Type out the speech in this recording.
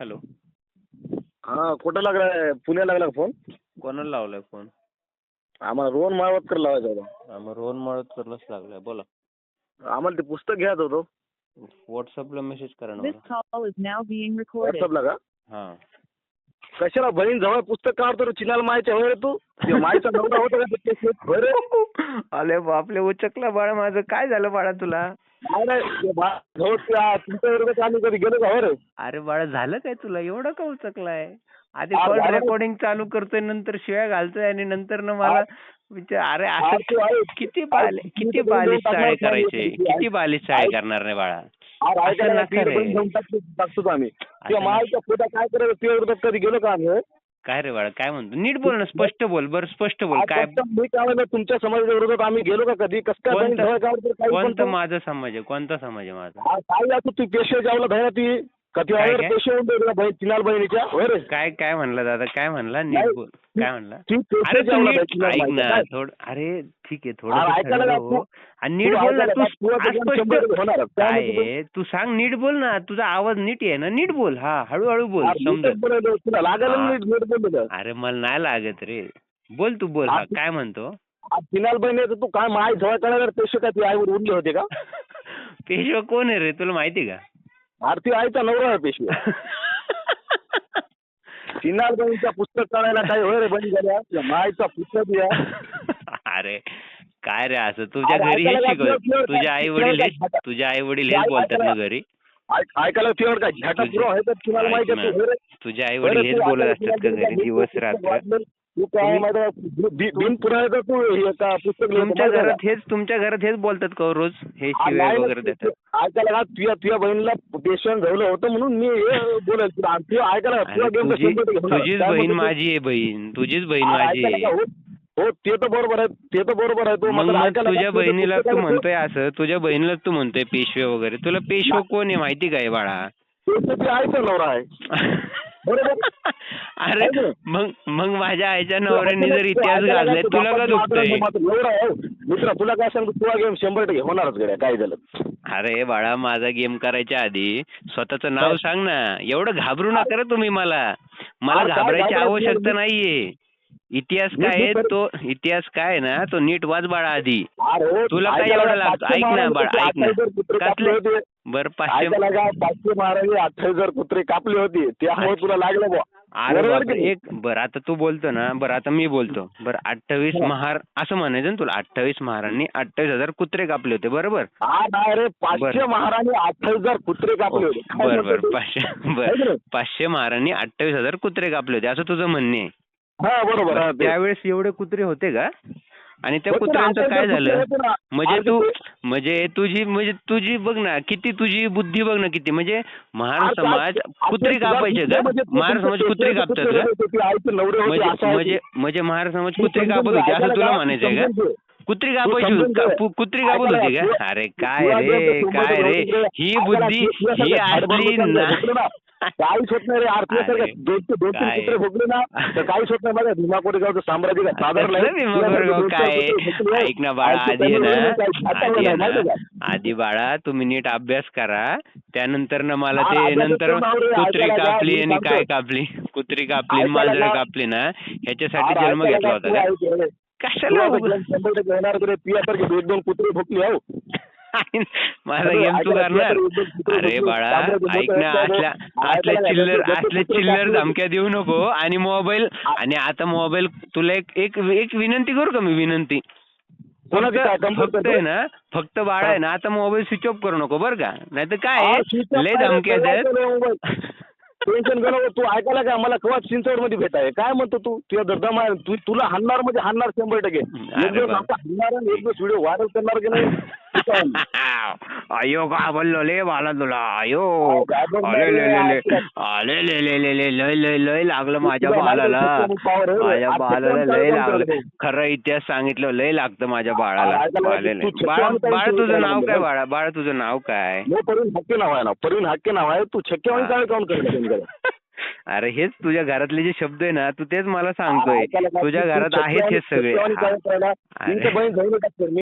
Hello. हा कुठं लागलाय? पुण्याला लागला का फोन? कोणाला लावलाय फोन? आम्हाला रोहन माळवतकर लावायचा होता. मग रोहन मळतकरलाच लागलाय. बोला. आम्हाला ते पुस्तक घ्यायचं होतं. व्हॉट्सअपला मेसेज करा ना This मला. call is now being recorded. व्हॉट्सअपला का? हा. कशाला बहीण जवळ पुस्तक काढतो रे, चिनाला मायच्या होय रे तू? ते मायचा नवरा होता का ते? होय रे? अरे बापले, उचकला बाळा माझं. काय झालं बाळा तुला? नाही नाही ते जवळ तुमच्या विरोधात आम्ही कधी गेलो का? होय रे? अरे बाळा, झालं काय तुला? एवढं का उचकलाय? आधी अरे कॉल झालं. रेकॉर्डिंग चालू करतोय, नंतर शिव्या घालतोय आणि नंतर न मला विचार. अरे आज असं तू आहे. किती तुम्ही बालिश टाकणार चाळे नाही, करायचे? तुम्ही किती बालिश चाळे करणार नाही बाळा? आज असं ऐकायला नका रे. बहीण घेऊन टाकतो आम्ही. ते असं मायच्या पोटा काय करायचं ते विरोधात कधी गेलो का आम्ही? होय? काय रे बाळा, काय म्हणतो? नीट बोल ना, स्पष्ट बोल. बरं स्पष्ट बोल. आज काय फक्त मी काय म्हणलं, तुमच्या समाजाच्या विरोधात आम्ही गेलो का कधी? कसं काय बहीण जवळ काढतो? काही पण कोणता तू? माझा समाज आहे? कोणता समाज आहे माझा? आज काय असं तू पेशवे जावला धरा ती कधी काय आहे काय? पेशवे होऊन दे बहीण चिनाल बहिणीच्या. होय रे? काय काय म्हणला दादा? काय म्हणला? नीट नाही. बोल. काय म्हणला? ती पेशवे अरे तू जावला नीट धरा चिनाल ऐक बहिणीच्या. ना काय? थोडं. अरे ठीक आहे, अरे थोडं ऐकायला थंड का हो तू? आणि नीट बोल ना. ऐकायला तू का? तू आता स्पष्ट 100 होणार. काय काय म्हणतो तू? आहे? तू सांग, नीट बोल ना. तुझा आवाज नीट आहे ना? नीट बोल. हा, हळूहळू बोल, अरे नीटच समजत. बोलायला तुला लागलं हा. नीट नीट बोललं. अरे मला नाही लागत रे. बोल तू, बोल. हा, काय म्हणतो? आज चिनाल बहिणीचं तू काय माय जवळ काढायला पेशवे काय ती आईवर उरले होते का? पेशवा कोण आहे रे, तुला माहिती का? आरती आईचा नवरा आहे पेशवे. चिनाल बहिणीच्या पुस्तक काढायला काय होय रे बहीण झाल्या? त्या मायचा पुस्तक या. अरे काय रे असं? तुझ्या अरे घरी हेच ऐकायला शिकवत? का? तुझ्या आई वडील हेच बोलतात ना घरी? ऐकायला तुझ्यावर काय झटाक पुरं आहे तर चिनाल ऐक माहिती ना, आहे तू? होय रे? तुझे आई वडील हेच बोलत असतात का घरी दिवस रात्र? तू काय माहिती बिन पुरायचं तू हे का पुस्तक लिहितो तुमच्या घरात हेच बोलतात का हो रोज? हे शिव्या वगैरे देतात? ऐकायला का तुझ्या बहिणीला पेशंट झालं होतं म्हणून मी हे बोलेल तुला. तुझ्या ऐकायला अरे तुझा गेम तुझीच बहीण माझी आहे बहीण. तुझीच बहीण माझी आहे. हो ते तर बरोबर आहे, ते तर बरोबर आहे. तो मग मात्र मग ऐकायला तुझ्या का? बहिणीला तू म्हणतोय असं, तुझ्या बहिणीला तू म्हणतोय पेशवे वगैरे. तुला पेशवा कोण आहे माहिती काय बाळा? ते आईचा नवरा आहे. बरोबर. अरे मग माझ्या आईच्या नवऱ्याने जर इतिहास घातलाय, तुला का दुखतंय? मित्र तुला काय सांगतो, तुला गेम 100% होणारच गड्या काय झालं. अरे बाळा, माझा गेम करायच्या आधी स्वतःचं नाव सांग ना. एवढं घाबरू नका रे तुम्ही मला. मला घाबरायची आवश्यकता नाहीये. इतिहास काय आहे तो, इतिहास काय आहे ना तो नीट वाच बाळा आधी. तुला काय एवढं लागतं? ऐक ना बाळा, ऐक ना. कसले? बरं 500 महाराज 28,000 कुत्रे कापले होते त्यामुळे तुला लागलं बुवा. अरे बापरे. बरं आता तू बोलतो ना, बरं आता मी बोलतो. बरं 28 महार असं म्हणायचं ना तुला. 28 महारांनी 28,000 कुत्रे कापले होते, बरोबर? हा नाही रे, 500 महाराणी 28,000 कुत्रे कापले होते. बरं 500 महारांनी 28,000 कुत्रे कापले होते असं तुझं म्हणणे आहे. हा बरोबर. त्यावेळेस एवढे कुत्रे होते का? आणि त्या कुत्र्यांचं काय झालं? म्हणजे तुझी बघ ना, किती तुझी बुद्धी बघ ना किती. म्हणजे महार समाज कुत्री कापायचे का? महार समाज कुत्री कापतात का? म्हणजे महार समाज कुत्री कापत होती असं तुला म्हणायचंय का? कुत्री कापायची, कुत्री कापत होती का? अरे काय रे ही बुद्धी ही असली ना. काहीच होत नाही रे. आरती दोन कुत्रे भोगले ना तर काहीच होत नाही. माझ्या भीमा कोरेगावचं साम्राज्य काय साधारण काय? ऐक ना बाळा, आधी आहे ना आधी बाळा तुम्ही नीट अभ्यास करा. त्यानंतर ना मला ते नंतर कुत्री कापली आणि काय कापली, कुत्री कापली मांजर कापली ना ह्याच्यासाठी जन्म घेतला होता का? कशाला 100% होणार रे. पियासारखे 2 कुत्रे भोगले. हो माझा गेम तू करणार? अरे बाळा ऐक ना, असल्या चिल्लर धमक्या देऊ नको. आणि मोबाईल, आणि आता मोबाईल तुला एक विनंती करू का मी? विनंती फक्त आहे ना, फक्त बाळा आहे ना आता मोबाईल स्विच ऑफ करू नको बरं का? नाही तर काय लय धमक्या देत. टेन्शन घेऊ. तू ऐकायला काय मला केव्हा चिंचवड मध्ये भेटाय काय म्हणतो तू? तुझ्या दर्दम आहे. तुला हाणणार म्हणजे हाणणार 100%. एक दिवस हाणणार आणि एक दिवस व्हिडिओ व्हायरल करणार की नाही? अयो का बोललो ले बाला तुला. अयो लय लागलं माझ्या बाळाला. माझ्या बाळाला लय लागलं. खरं इतिहास सांगितलं लय लागतं माझ्या बाळाला. बाळा तुझं नाव काय बाळा? बाळा तुझं नाव काय? परवीन हक्के नाव आहे ना. परवीन हक्के नाव आहे. तू छक्केवाणी काय काउंट करतो? अरे हेच तुझ्या घरातले जे शब्द आहे ना, तू तेच मला सांगतोय. तुझ्या घरात आहेत हे सगळे.